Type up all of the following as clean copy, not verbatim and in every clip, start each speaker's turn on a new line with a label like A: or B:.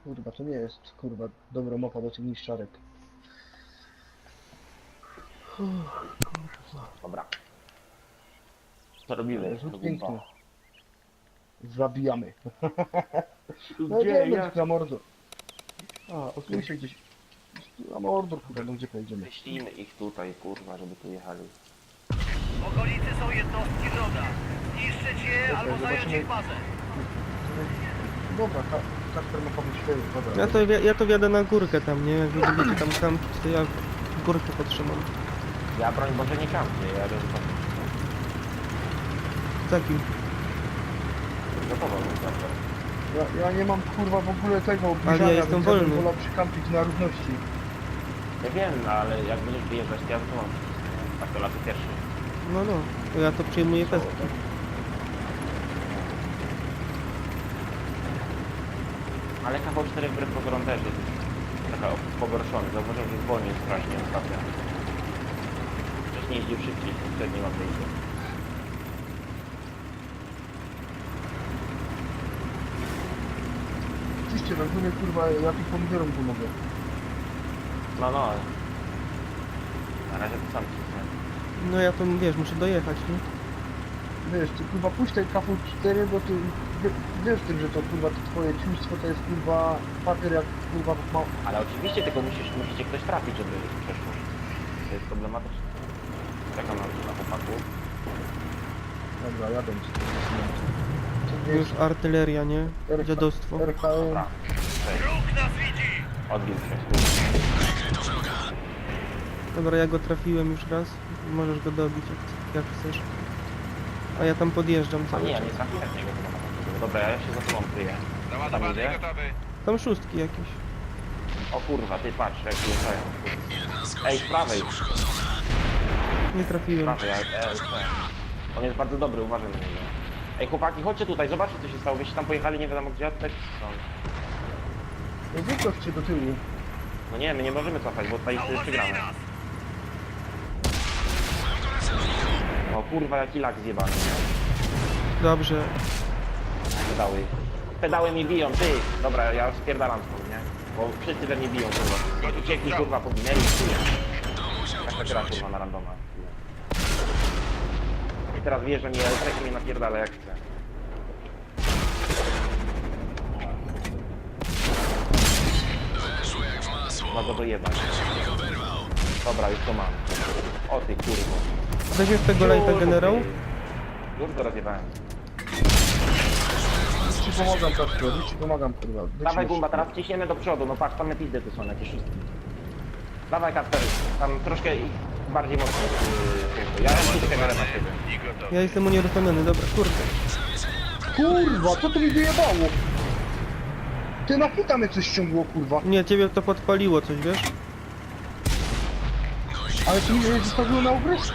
A: Kurwa, to nie jest, kurwa, dobra mapa do tych niszczarek.
B: Dobra. Co robimy?
A: Rzut
B: To
A: piękny.
B: gumba.
A: Zabijamy. No
B: Gdzie?
A: idziemy
B: Jak?
A: na mordo.
B: A, okej.
A: Słyszę gdzieś. Na mordo, kurwa, no gdzie pojedziemy?
B: Wyślijmy ich tutaj, kurwa, żeby tu jechali.
C: W okolicy są jednostki wroga. Zniszczyć je albo zająć
A: zobaczymy.
C: ich bazę.
A: Dobra, Kasper ma powiedzieć swoje, dobra.
D: Ja to wjadę na górkę tam, nie? Jak wy będziecie tam kampić, to ja górkę podtrzymam.
B: Ja broń Boże nie kampię, ja jadę
D: Takim.
B: gotowo, naprawdę.
A: Ja nie mam, kurwa, w ogóle tego
D: Ale
A: obniżania,
D: ja jestem
A: więc ja bym
D: wolny.
A: wolał przykampić na równości.
B: Ja wiem, no, ale jak będziesz wyjeżdżać, to ja to mam. Tak to laty pierwszy.
D: No, to ja to przyjmuję pestki.
B: Ale kawał 4 wbrew pozorom też jest taka pogorszony. Zauważyłem, że wolniej strasznie ostatnio. Wcześniej jeździł szybciej, wtedy nie ma wyjścia.
A: Oczywiście, rozumie, kurwa, ja tych pomidorom pomogę.
B: No, ale... Na razie to sam cisnę.
D: No ja to, wiesz, muszę dojechać, nie?
A: Wiesz, ty, kurwa, puść ten KV4, bo ty wiesz tym, że to, kurwa, to twoje ciuństwo to jest, kurwa, papier jak, kurwa, ma...
B: Ale oczywiście tylko musicie ktoś trafić, żeby przeszło. To jest problematyczne. Czekam na chłopaku.
A: Dobra, jadę ci. To
D: Już artyleria, nie? Dziadostwo.
A: RKM.
B: Dobra. Cześć.
C: Wróg nas widzi!
B: Odbił się.
D: Dobra, ja go trafiłem już raz. Możesz go dobić, jak chcesz. A ja tam podjeżdżam
B: A
D: cały
B: nie, ja
D: czas.
B: nie trafiłem w niego chyba na początku. Dobra, ja się za tobą kryję. Tam
C: Załadowany
B: idzie?
C: i gotowy.
D: Tam szóstki jakieś.
B: O kurwa, ty patrz, jak wjeżdżają. Ej, z prawej.
D: Nie trafiłem.
B: Prawej, on jest bardzo dobry, uważaj na niego. Ej, chłopaki, chodźcie tutaj, zobaczcie co się stało. Wyście tam pojechali, nie wiadomo gdzie, a tutaj są.
A: Wycof cię do tyłu.
B: No nie, my nie możemy cofać, bo tutaj
C: Zauważyli
B: przegramy.
C: nas!
B: O kurwa, jaki lak zjebany, nie?
D: Dobrze.
B: Pedały. Pedały mi biją, ty! Dobra, ja spierdalam stąd, nie? Bo wszyscy we mnie biją, kurwa. Uciekli, kurwa, poginęli, jak ta gra, kurwa, na randoma. I teraz wjeżdżam i elektrek mnie napierdala jak chce. Ma go dojebać. Dobra, już to mam. O ty kurwo.
D: Weźmiesz tego lajta, generał?
B: Już go rozjebałem.
A: Ci pomagam, Kasper, ci pomagam, kurwa.
B: Dawaj Gumba, teraz ciśniemy do przodu, no patrz, tam pizdy tu są jakieś szóstki. Dawaj Kasper, tam troszkę bardziej mocno. Ja mam tu kamerę na siebie.
C: I gotowy.
D: Ja jestem unieruchomiony, dobra, kurde.
A: Kurwa, co to mi wyjebało? Ty na hita mnie coś ściągło, kurwa.
D: Nie, ciebie to podpaliło coś, wiesz?
A: Ale to mnie zostawiło na obrysku.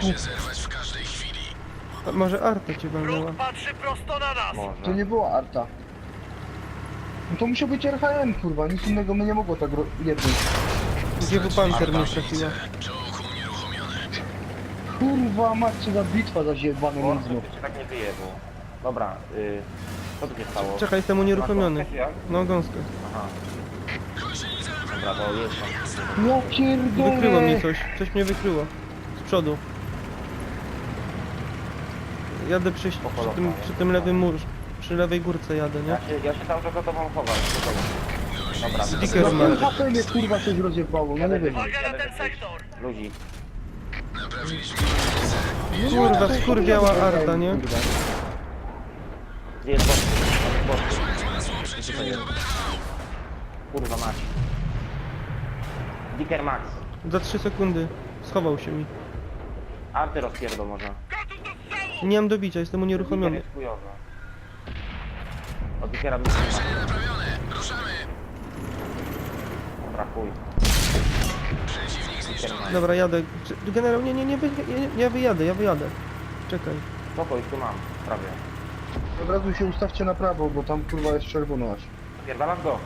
D: A może Arta cię walnęła?
C: Wróg patrzy prosto na nas!
B: Może.
A: To nie była Arta. No to musiał być RHM, kurwa, nic innego mnie nie mogło tak jednąć.
D: Gdzie w pancer mnie trafiła?
A: Kurwa, macie za bitwa za zjebane
B: Bo
A: nizmo.
B: to się tak nie wyjebło. Dobra, co tu się stało?
D: Czekaj, jestem unieruchomiony.
B: Masz gąskę,
D: No, gąskę.
B: Aha. Dobra, to jest tam.
A: Ja pierdolę.
D: Wykryło mnie coś. Coś mnie wykryło. Z przodu. Jadę przy tym lewym murze. Przy lewej górce jadę, nie?
B: Ja się cały czas za tobą chowam. Dobra,
D: Sticker
A: No
D: ma.
A: ten HP mnie, kurwa, coś rozjebało, no nie wiem.
C: Uwaga na ten sektor!
B: Ludzi.
D: Kurwa, skurwiała Arta, nie?
A: Kurwa.
B: Gdzie jest boss? Tutaj jest. Kurwa mać. Dicker Max.
D: Za 3 sekundy. Schował się mi.
B: Arty rozpierdol może.
C: Gotów do strzału!
D: Nie mam dobicia, jestem
B: Dicker
D: unieruchomiony.
B: jest chujowy. Od Dickera bym nie Dobra, chuj. Dicker Max.
D: Dobra, jadę. Generał, ja wyjadę. Czekaj.
B: Spoko, już tu mam. Prawie.
A: Od razu się ustawcie na prawo, bo tam, kurwa, jest czerwono aż.
B: Pierdalam go.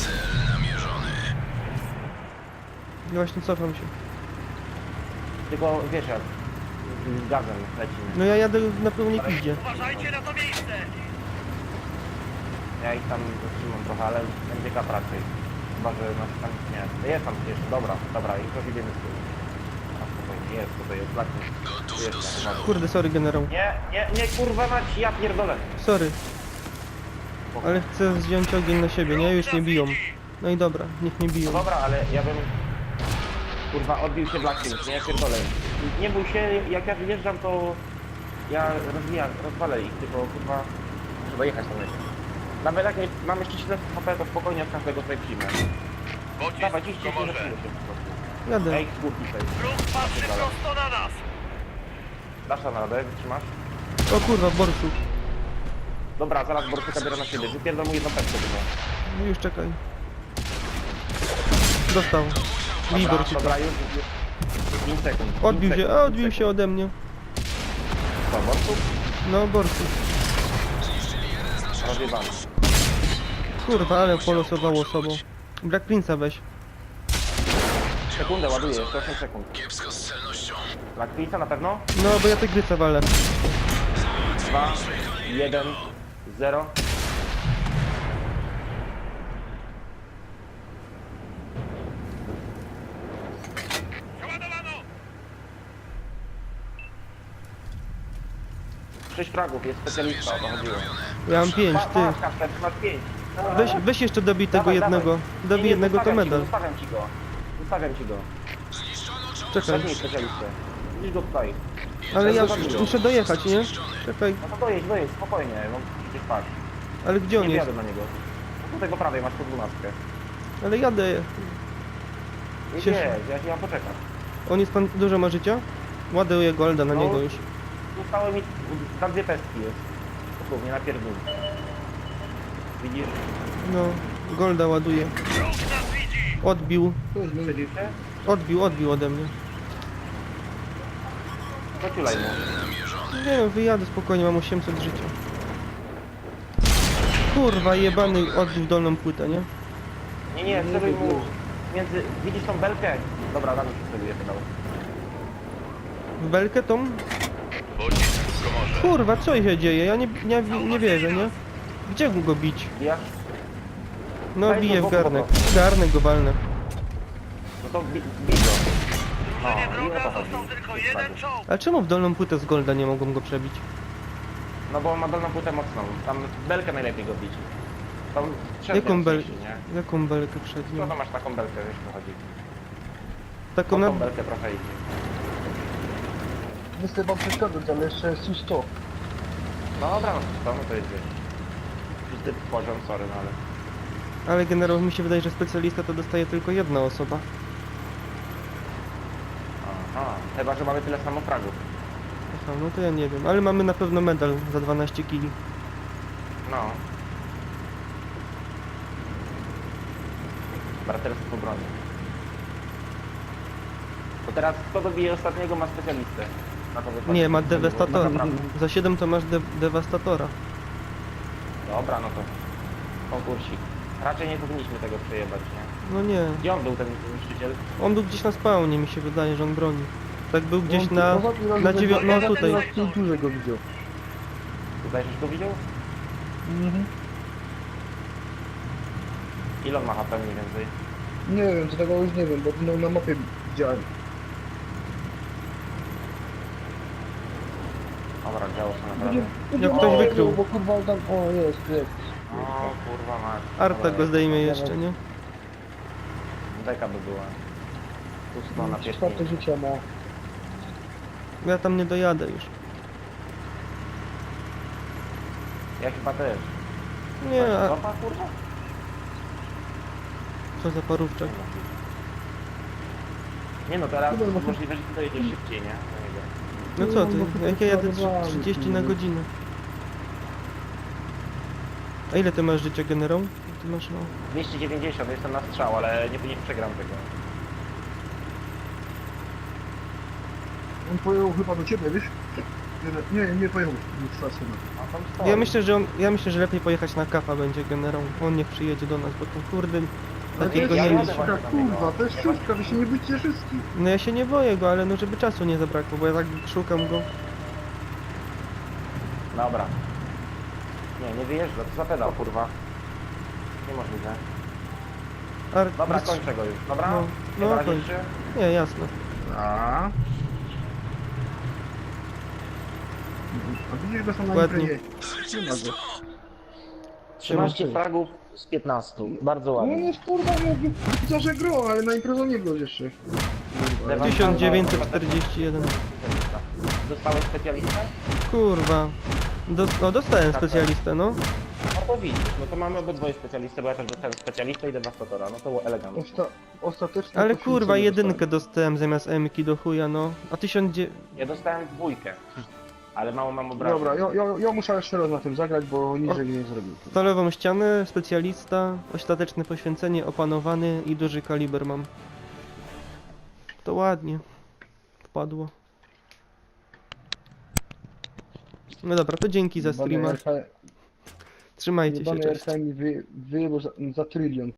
D: Ja właśnie cofam się.
B: Tylko wiesz jak. Z gazem lecimy.
D: No ja jadę na pełnej pizdzie.
C: Uważajcie na to miejsce!
B: Ja ich tam zatrzymam trochę, ale będzie kap raczej. Chyba, że nas tam nie. Jest tam jeszcze, dobra, i to idziemy z tyłu. A spokojnie, jest tutaj, jest Blackness. Jest, uwaga.
D: Kurde, sorry generał.
B: Nie, kurwa mać, ja pierdolę.
D: Sorry. Ale chcę zdjąć ogień na siebie, nie? Już nie biją. No i dobra, niech nie
B: No
D: biją.
B: dobra, ale ja bym... Kurwa, odbił się Blackness, nie, ja pierdolę. Nie bój się, jak ja wyjeżdżam, to... Ja rozwalę ich, tylko kurwa... Muszę dojechać tam jeszcze. Nawet jak mam jeszcze 7 HP, to spokojnie od każdego tutaj przyjmę. Dawaj, ciśnij się, że się po prostu.
D: Jadę.
B: Ej, z górki tutaj.
C: Wróg patrzy prosto na nas.
B: Dasz tam radę, wytrzymasz?
D: O kurwa, borsuk.
B: Dobra, zaraz Borsuka biorę na siebie. Wypierdol mu jedną pepkę tylko.
D: No już czekaj. Dostał. Bij
B: Dobra,
D: borsuka.
B: dobra, już 5 sekund.
D: Odbił się, a odbił się ode mnie.
B: Co, Borsuk?
D: No, borsuk.
B: Rozjebany.
D: Kurwa, ale polosowało sobą. Black Prince'a weź.
B: Sekundę ładuję, jeszcze 8 sekund. Black Pizza na pewno?
D: No, bo ja tygrysa walę.
B: 2, 1, 0.
C: Przeładowano.
B: 6 fragów, jest specjalista, o to chodziło.
D: Ja mam 5, ty.
B: Masz Kasper, masz 5.
D: Weź jeszcze dobij tego jednego. Dobij jednego to medal.
B: Zostawiam ci go.
D: Czekaj.
B: Weźmij specjalistę. Widzisz go tutaj.
D: Ale ja muszę dojechać, nie? Czekaj.
B: No to dojedź, spokojnie, no przecież patrz.
D: Ale gdzie on
B: Nie
D: jest?
B: wjadę na niego. No tutaj po prawej masz po 12.
D: Ale jadę.
B: Nie
D: Cieszę.
B: wiesz, ja się mam poczekać.
D: On jest pan, dużo ma życia? Ładuję golda na
B: No.
D: niego już.
B: Zostały mi, tam 2 pestki jest. Dosłownie, na pierdół. Widzisz?
D: No, golda ładuje.
C: Wróg nas widzi.
D: Odbił.
B: Przedził się?
D: Odbił ode mnie.
B: Zaciulaj mu.
D: Nie no, wyjadę spokojnie, mam 800 życia. Kurwa, jebany odbił dolną płytę, nie?
B: Nie, celuj mu między... Widzisz tą belkę? Dobra, damy się celuje pedał.
D: W belkę tą? Kurwa, co się dzieje? Ja nie wierzę, nie? Gdzie go bić?
B: Ja?
D: No,
B: Weź
D: biję
B: go
D: w
B: w
D: garnek.
B: boku.
D: Garnek go walnę.
B: No to bij go.
C: Drużynie
B: No, i o
C: wroga
B: to
C: został
B: chodzi.
C: tylko jeden czołg.
D: A czemu w dolną płytę z golda nie mogą go przebić?
B: No bo on ma dolną płytę mocną. Tam belkę najlepiej go bić. Tam
D: Jaką belkę?
B: belkę? Nie?
D: Jaką belkę
B: Co
D: przednią?
B: to masz taką belkę, wiesz co chodzi?
D: Taką
B: No
D: na...
B: tą belkę trochę idzie.
A: Nie chcę wam przeszkadzać, ale jeszcze jest 100.
B: No dobra, no to jest wiesz. Czysty poziom, sorry, no ale...
D: Ale generał, mi się wydaje, że specjalista to dostaje tylko jedna osoba.
B: Aha, chyba, że mamy tyle samo fragów.
D: Aha, no to ja nie wiem, ale mamy na pewno medal za 12 kili.
B: No. Braterstwo broni. To teraz kto dobije ostatniego ma specjalistę. Na to wychodzi.
D: Nie, ma
B: Na
D: dewastatora.
B: naprawdę.
D: Za 7 to masz dewastatora.
B: Dobra, no to konkursik. Raczej nie powinniśmy tego przejebać, nie?
D: No nie.
B: Gdzie on był ten niszczyciel?
D: On był gdzieś na spawnie, mi się wydaje, że on broni. Tak był gdzieś na... na no tutaj.
A: Na tej górze go widział.
B: Tutaj żeś go widział?
A: Mhm.
B: Ile on ma HP mniej więcej?
A: Nie wiem, to tego już nie wiem, bo no, na mapie widziałem.
B: Dobra, działo się naprawdę.
D: Jak ktoś wykrył.
A: Bo kurwa tam... O, jest.
B: O kurwa mać.
D: Arta
B: Dobra,
D: go zdejmie jeszcze, nie?
B: Deka by była. Pusto na
A: Czwarte
B: pieśni.
A: życia ma.
D: Ja tam nie dojadę już.
B: Ja chyba też.
D: Nie, a
B: Cofa, kurwa?
D: co za parówczak.
B: Nie no, teraz
A: Dobra, no
B: możliwe, że ty dojedziesz szybciej, nie? Do niego.
D: No co ty, jak ja jadę 30 na godzinę. A ile ty masz życia, generał? Ty masz no...
B: 290, jestem na strzał, ale nie przegram tego.
A: On pojechał chyba do ciebie, wiesz? Nie pojechał. Nie trwa syna.
B: A tam stoi.
D: Ja myślę, że lepiej pojechać na kafa będzie generał. On niech przyjedzie do nas, bo to kurde takiego
B: ja
D: nie
B: jadę
D: mieć.
B: właśnie.
A: Kurwa, to jest szóstka, wy się nie bycie wszystkich.
D: No ja się nie boję go, ale no żeby czasu nie zabrakło, bo ja tak szukam go.
B: Dobra. Nie wyjeżdża, to za pedał, kurwa. niemożliwe.
D: Ar...
B: Dobra,
D: wystrz-
B: kończę go już, dobra?
D: No,
B: Nie
D: no,
B: razie
D: kończ.
B: się?
D: Nie, jasne.
A: A widzisz go sam na
D: Ładnie.
A: imprezie. Nie ma go.
B: 13 fragów z 15. Bardzo
A: No
B: ładnie.
A: jest kurwa, no że gro, ale na imprezę nie go jeszcze. Kurwa.
D: 1941.
B: Dostałeś specjalistę?
D: Kurwa. Dostałem specjalistę, no.
B: No to widzisz, no to mamy obydwoje specjalistę, bo ja też dostałem specjalistę i dewastatora, no to było elegancko.
A: Ostatecznie
D: Ale
A: to
D: kurwa,
A: nie
D: jedynkę dostałem zamiast M-ki do chuja, no. A 1900...
B: Ja dostałem dwójkę, ale mało mam obrażeń.
A: Dobra, ja muszę jeszcze raz na tym zagrać, bo niżej nie zrobił.
D: Stalową ścianę, specjalista, ostateczne poświęcenie, opanowany i duży kaliber mam. To ładnie. Wpadło. No dobra, to dzięki za streama. Trzymajcie się,
A: Jebany
D: cześć.
A: RK mi wyjebał za trylion.